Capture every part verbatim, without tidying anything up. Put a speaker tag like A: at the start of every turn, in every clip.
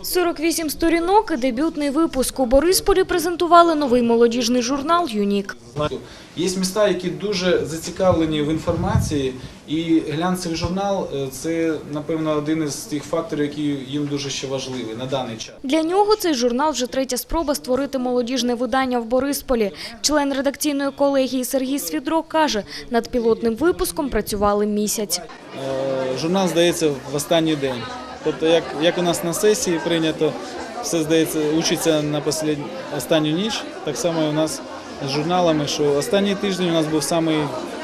A: сорок вісім сторінок і дебютний випуск. У Борисполі презентували новий молодіжний журнал «Юнік».
B: Є міста, які дуже зацікавлені в інформації, і глянцевий журнал – це, напевно, один із тих факторів, які їм дуже ще важливі на даний час.
A: Для нього цей журнал вже третя спроба створити молодіжне видання в Борисполі. Член редакційної колегії Сергій Свідро каже, над пілотним випуском працювали місяць.
B: Журнал здається в останній день. Тобто, як, як у нас на сесії прийнято, все, здається, учиться на послід... останню ніч, так само і у нас з журналами, що останній тиждень у нас був самий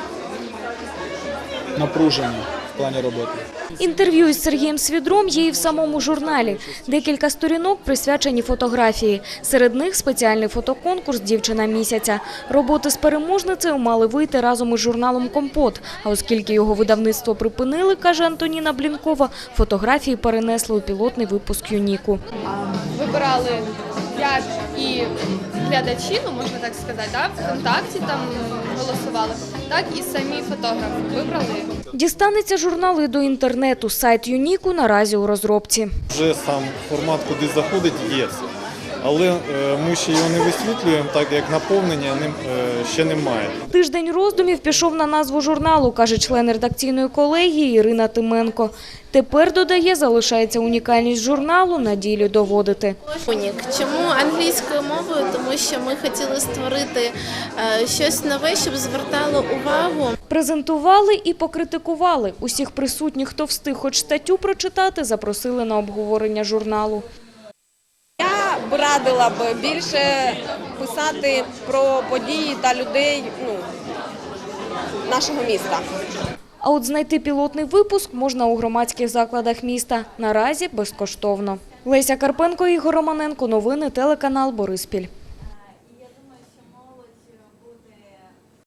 B: напружений в плані роботи.
A: Інтерв'ю із Сергієм Свідром є і в самому журналі. Декілька сторінок присвячені фотографії. Серед них спеціальний фотоконкурс «Дівчина місяця». Роботи з переможницею мали вийти разом із журналом «Компот». А оскільки його видавництво припинили, каже Антоніна Блінкова, фотографії перенесли у пілотний випуск «Юніку».
C: Вибирали як і глядачі, ну можна так сказати, да? ВКонтакті там голосували, так і самі фотографи вибрали.
A: Дістанеться журнал і до інтернету. Сайт «Юніку» наразі у розробці.
D: Вже сам формат, куди заходить, є. Але ми ще його не висвітлюємо, так як наповнення ним ще немає.
A: Тиждень роздумів пішов на назву журналу, каже член редакційної колегії Ірина Тименко. Тепер, додає, залишається унікальність журналу на ділі доводити.
E: Унік. Чому англійською мовою? Тому що ми хотіли створити щось нове, щоб звертало увагу.
A: Презентували і покритикували. Усіх присутніх, хто встиг хоч статтю прочитати, запросили на обговорення журналу.
F: Я б радила б більше писати про події та людей ну, нашого міста.
A: А от знайти пілотний випуск можна у громадських закладах міста. Наразі безкоштовно. Леся Карпенко, Ігор Романенко. Новини телеканал Бориспіль.